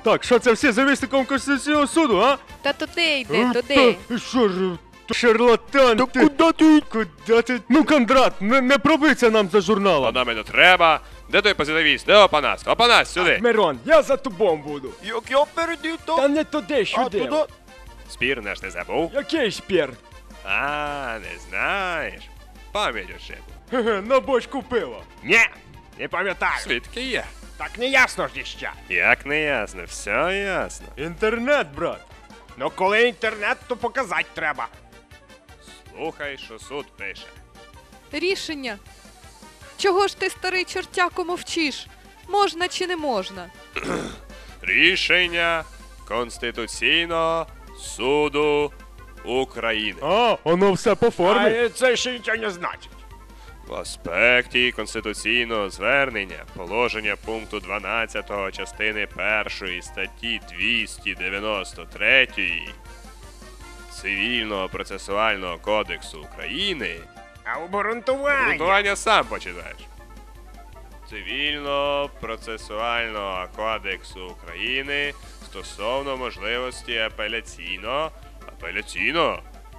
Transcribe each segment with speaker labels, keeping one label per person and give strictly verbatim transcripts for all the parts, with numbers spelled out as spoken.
Speaker 1: Так, що це всі завісником Конституційного суду, а?
Speaker 2: Та туди йди,
Speaker 1: А,
Speaker 2: туди.
Speaker 1: та, Що ж, то шарлатан
Speaker 3: Та
Speaker 1: ти?
Speaker 3: куди ти?
Speaker 1: Куди ти? Ну, Кондрат, не, не пробиться нам за журналом.
Speaker 4: Нам і не треба. Де той позитивіст? Де Опанас? Опанас, сюди.
Speaker 1: Мирон, я за тобою буду.
Speaker 3: Як я перейду,
Speaker 1: Та
Speaker 3: то...
Speaker 1: не туди,
Speaker 3: А,
Speaker 1: сюди.
Speaker 3: туди?
Speaker 4: Спір наш не забув?
Speaker 1: Який спір?
Speaker 4: А, не знаєш. Пам'ять ошибу.
Speaker 1: Хе-хе, на бочку пива.
Speaker 3: Ні, не пам'ятаю.
Speaker 4: Свідки є.
Speaker 3: Так не ясно ж іще.
Speaker 4: Як не ясно, все ясно.
Speaker 1: Інтернет, брат.
Speaker 3: Ну коли інтернет, то показати треба.
Speaker 4: Слухай, що суд пише.
Speaker 2: Рішення. Чого ж ти, старий чортяко, мовчиш? Можна чи не можна?
Speaker 4: Рішення Конституційного суду України.
Speaker 1: А, воно все по формі.
Speaker 3: А це ще нічого не значить.
Speaker 4: В аспекті конституційного звернення положення пункту дванадцятого частини першої статті двісті дев'яносто три Цивільного процесуального кодексу України.
Speaker 3: А обґрунтування?
Speaker 4: Грунтування сам починаєш. Цивільно-процесуального кодексу України стосовно можливості апеляційно апеляційно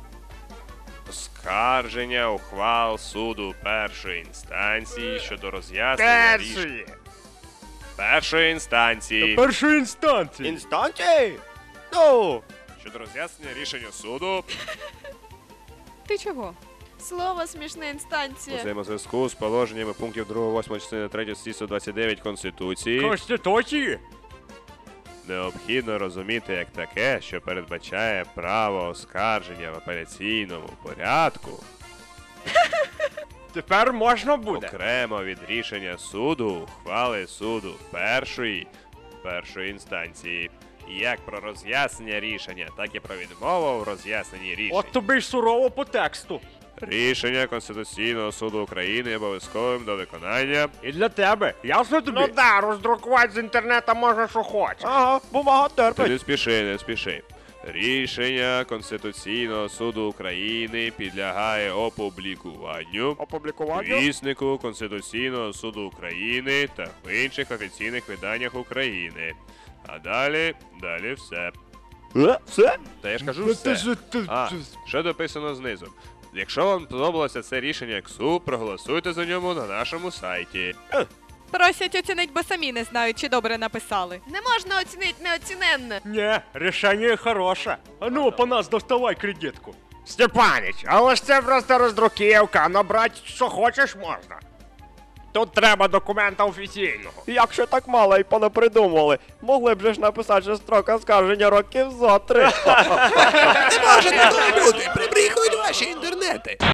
Speaker 4: оскарження ухвал суду першої інстанції щодо роз'яснення рішень
Speaker 3: Першої.
Speaker 4: першої інстанції
Speaker 1: Першої інстанції.
Speaker 3: Інстанції? Ну,
Speaker 4: щодо роз'яснення рішення суду
Speaker 2: Ти чого?
Speaker 5: Слово смішна інстанція.
Speaker 4: у взаємозв'язку з положеннями пунктів другого, восьмого частини третьої статті сто двадцять дев'ять Конституції.
Speaker 1: Конституції?
Speaker 4: Необхідно розуміти як таке, що передбачає право оскарження в апеляційному порядку
Speaker 3: тепер можна буде.
Speaker 4: окремо від рішення суду, ухвали суду першої першої інстанції. Як про роз'яснення рішення, так і про відмову в роз'ясненні рішень.
Speaker 1: От тобі ж сурово по тексту.
Speaker 4: Рішення Конституційного суду України є обов'язковим до виконання.
Speaker 1: І для тебе. Ясно тобі?
Speaker 3: Ну да, роздрукувати з інтернету можна, що хочеш. Ага, бумага
Speaker 4: Ти
Speaker 3: терпить.
Speaker 4: не спіши, не спіши. Рішення Конституційного суду України підлягає опублікуванню
Speaker 3: Опублікування?
Speaker 4: віснику Конституційного суду України та в інших офіційних виданнях України. А далі, далі все.
Speaker 3: Е, все?
Speaker 4: Та я ж кажу
Speaker 1: Ну, ти
Speaker 4: все.
Speaker 1: ж- ти-
Speaker 4: А,
Speaker 1: ти-
Speaker 4: що дописано знизу? Якщо вам сподобалося це рішення КСУ, проголосуйте за ньому на нашому сайті.
Speaker 2: Просять оцінить, бо самі не знають, чи добре написали.
Speaker 5: Не можна оцінити неоціненне.
Speaker 1: Ні, рішення хороше. А ну, по нас доставай кредитку.
Speaker 3: Степанич, але ж це просто роздруківка, набрати що хочеш можна. Тут треба документа офіційного.
Speaker 6: Якщо так мало і понапридумували, могли б же ж написати, що строк оскарження років зо три.
Speaker 7: Не можете, люди, прибріхують ваші інтернети.